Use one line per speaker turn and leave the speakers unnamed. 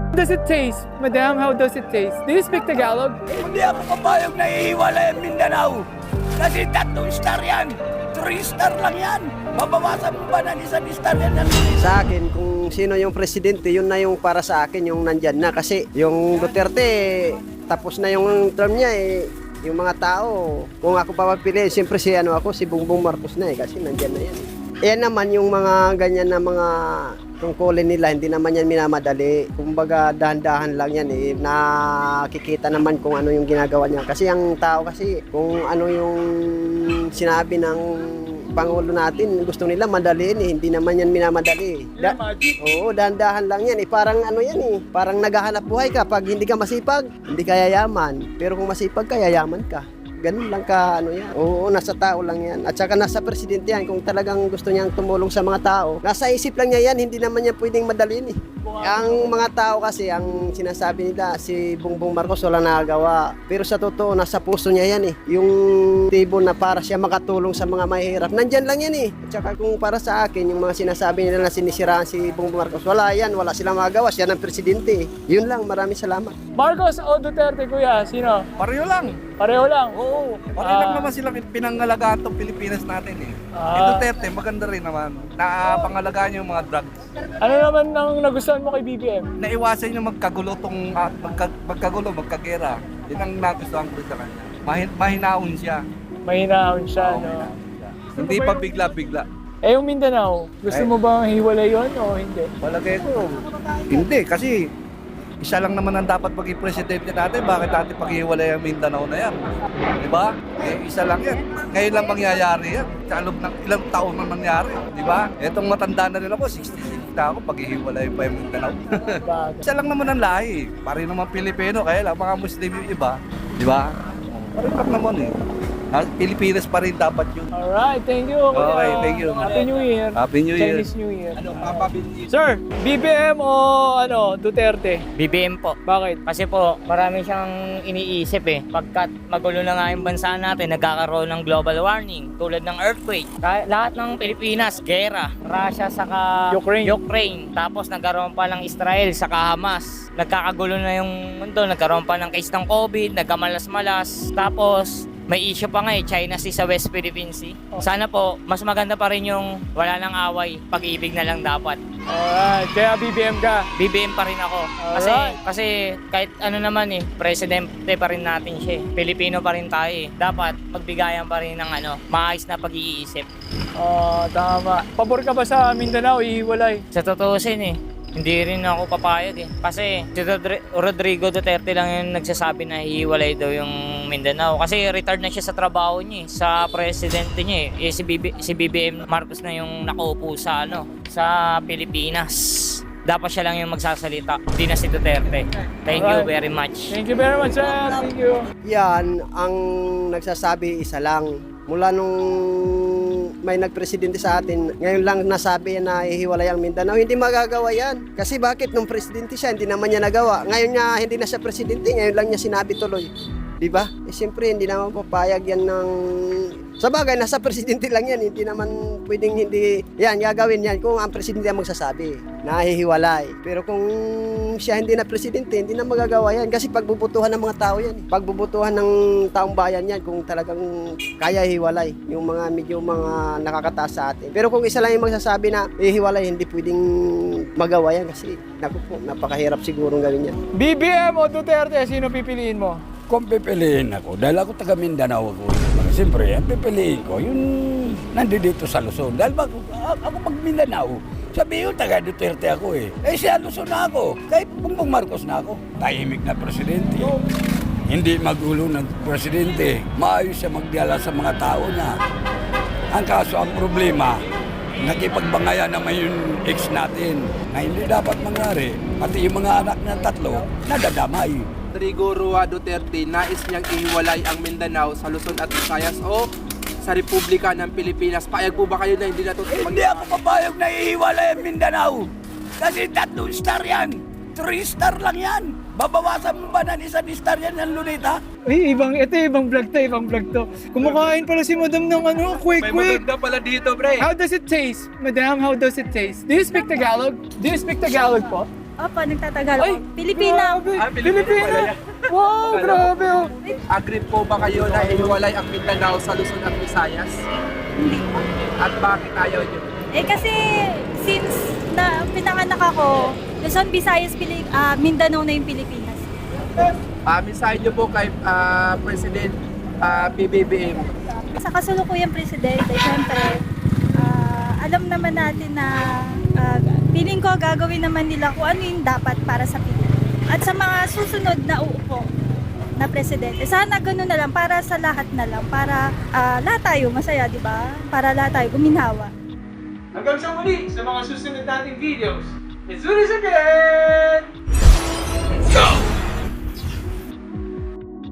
Does it taste? Madam, how does it taste? Do you speak Tagalog?
Hindi ako papayag na iiwalay ang Mindanao. Kasi 3 star yan. 3 star lang yan. Babawasan mo ba ng 1 star yan?
Sa akin, kung sino yung presidente, yun na yung para sa akin, yung nandyan na. Kasi yung Duterte, tapos na yung term niya eh. Yung mga tao, kung ako papapili, siyempre si Bongbong Marcos na eh. Kasi nandyan na yan eh. Ayan naman yung mga ganyan na mga tungkulin nila, hindi naman yan minamadali. Kumbaga dahan-dahan lang yan eh. Nakikita naman kung ano yung ginagawa niya. Kasi ang tao kasi, kung ano yung sinabi ng Pangulo natin, gusto nila madaliin eh. Hindi naman yan minamadali. Oo, dahan-dahan lang yan eh. Parang ano yan eh. Parang naghahanap buhay ka. Pag hindi ka masipag, hindi ka yayaman. Pero kung masipag ka, yayaman ka. Ganun lang ka, ano yan. Oo, nasa tao lang yan. At saka nasa presidente yan. Kung talagang gusto niyang tumulong sa mga tao, nasa isip lang niya yan. Hindi naman niya pwedeng madalhin eh. Ang mga tao kasi, ang sinasabi nila, si Bongbong Marcos wala nagagawa. Pero sa totoo, nasa puso niya yan eh. Yung tibo na para siya makatulong sa mga mahihirap, nandyan lang yan eh. At saka kung para sa akin, yung mga sinasabi nila na sinisiraan si Bongbong Marcos, wala yan. Wala silang magagawa. Siya ng presidente eh. Yun lang, maraming salamat.
Marcos o Duterte, kuya? Sino?
Pareho lang.
Pareho lang.
Oo. Pareho lang naman silang pinangalagaan tong Pilipinas natin eh. Yung Duterte, maganda rin naman. Napangalagaan yung mga drugs.
Ano naman ang nagustuhan mo kay BBM?
Naiwasan yung magkagulo tong magkagera. Yun ang nagustuhan ko sa kanya. Mahinaon siya.
Mahinaon siya, no?
Hindi pa bigla-bigla.
Eh, yung Mindanao, gusto mo bang hiwalay yun o hindi?
Palagay ko, hindi. Kasi isa lang naman ang dapat maging presidente natin. Bakit natin paghiwalay ang Mindanao na yan? Diba? Eh, isa lang yan. Ngayon lang mangyayari yan. Sa loob ng ilang taon na nangyari. Diba? Etong matanda na rin ako, 66 na ako, paghihiwalay pa yung Mindanao. Isa lang naman ang lahi. Pare naman Pilipino, kaya lang mga Muslim yung iba. Diba? Pare lang naman eh. Pilipinas pa rin dapat yun.
Alright, thank you. Kuya.
Okay, thank you.
Happy New Year.
Happy New Year.
Chinese New Year.
Papa
Sir, BBM o Duterte?
BBM po.
Bakit?
Kasi po, marami siyang iniisip eh. Pagkat magulo na nga yung bansa natin, nagkakaroon ng global warming, tulad ng earthquake. Lahat ng Pilipinas, gera. Russia saka Ukraine. Tapos nagkaroon pa ng Israel saka Hamas. Nagkakagulo na yung mundo, nagkaroon pa ng case ng COVID, nagkamalas-malas. Tapos, may issue pa nga eh, China Sea sa West Philippine Sea. Sana po, mas maganda pa rin yung wala nang away, pag-ibig na lang dapat.
Alright, kaya BBM ka.
BBM pa rin ako. Kasi kahit ano naman eh, presidente pa rin natin siya eh. Pilipino pa rin tayo eh. Dapat magbigayan pa rin ng maayos na pag-iisip.
Tama. Pabor ka ba sa Mindanao, ihiwalay?
Sa tutuusin eh, hindi rin ako papayag eh. Kasi si Rodrigo Duterte lang yung nagsasabi na hiwalay daw yung Mindanao. Kasi retired na siya sa trabaho niya eh, sa presidente niya eh. Si BBM Marcos na yung nakaupo sa sa Pilipinas. Dapat siya lang yung magsasalita, hindi na si Duterte. Thank you very much.
Thank you very much, sir. Thank you.
Yan, ang nagsasabi isa lang. Mula nung may nagpresidente sa atin, ngayon lang nasabi na ihiwalay ang Mindanao, hindi magagawa yan. Kasi bakit nung presidente siya, hindi naman niya nagawa. Ngayon niya, hindi na siya presidente, ngayon lang niya sinabi tuloy. Diba? Eh siyempre, hindi naman papayag yan ng... Sa bagay, nasa presidente lang yan, hindi naman pwedeng hindi... Yan, gagawin yan kung ang presidente ang magsasabi na hihiwalay. Pero kung siya hindi na presidente, hindi na magagawa yan. Kasi pagbubutuhan ng mga tao yan. Pagbubutuhan ng taong bayan yan kung talagang kaya hiwalay. Yung mga medyo mga nakakataas sa atin. Pero kung isa lang yung magsasabi na hihiwalay, hindi pwedeng magawa yan. Kasi naku po, napakahirap sigurong gawin yan.
BBM o Duterte, sino pipiliin mo?
Kung pipiliin ako, dahil ako taga Mindanao ako, siyempre, ang pipiliin ko, yung nandito sa Luzon. Dahil ako pag Mindanao, sabihin ko, taga Duterte ako eh. Eh siya Luzon na ako, kahit Bongbong Marcos na ako. Tahimik na presidente. Hindi magulo ng presidente. Maayos siya magdala sa mga tao na. Ang kaso, ang problema, nakipagbangayan naman yung ex natin na hindi dapat mangyari. Pati yung mga anak ng 3, nadadamay.
Rodrigo Roa Duterte, nais niyang ihiwalay ang Mindanao sa Luzon at Visayas o sa Republika ng Pilipinas. Payag po ba kayo na hindi na ito?
Hindi ako papayag na iiwalay ang Mindanao. Kasi 3 star yan. 3 star lang yan. Babawasan mo ba ng 1 star yan ng Lunita?
Ibang vlog to. Kumakain pala si madam ng quick.
May maganda pala dito, pre.
How does it taste? Madam, how does it taste? Do you speak Tagalog? Do you speak Tagalog po?
Opo, nagtatagalog. Pilipina.
Grabe. Pilipina. Wow, grabe oh.
Agree po ba kayo na ihiwalay ang Mindanao sa Luzon at Visayas?
Hindi po.
At bakit ayaw nyo?
Kasi since na pinanganak ako, Luzon, Visayas, Mindanao na yung Pilipinas.
Mensahe nyo po kay President PBBM.
Sa kasulukuyang presidente, syempre, alam naman natin na feeling ko gagawin naman nila kung ano yung dapat para sa Pilipinas. At sa mga susunod na uupo na presidente, sana gano'n na lang para sa lahat na lang, para lahat tayo masaya, di ba? Para lahat tayo guminhawa.
Hanggang sa muli sa mga susunod nating videos. It's Ulis again! Let's go!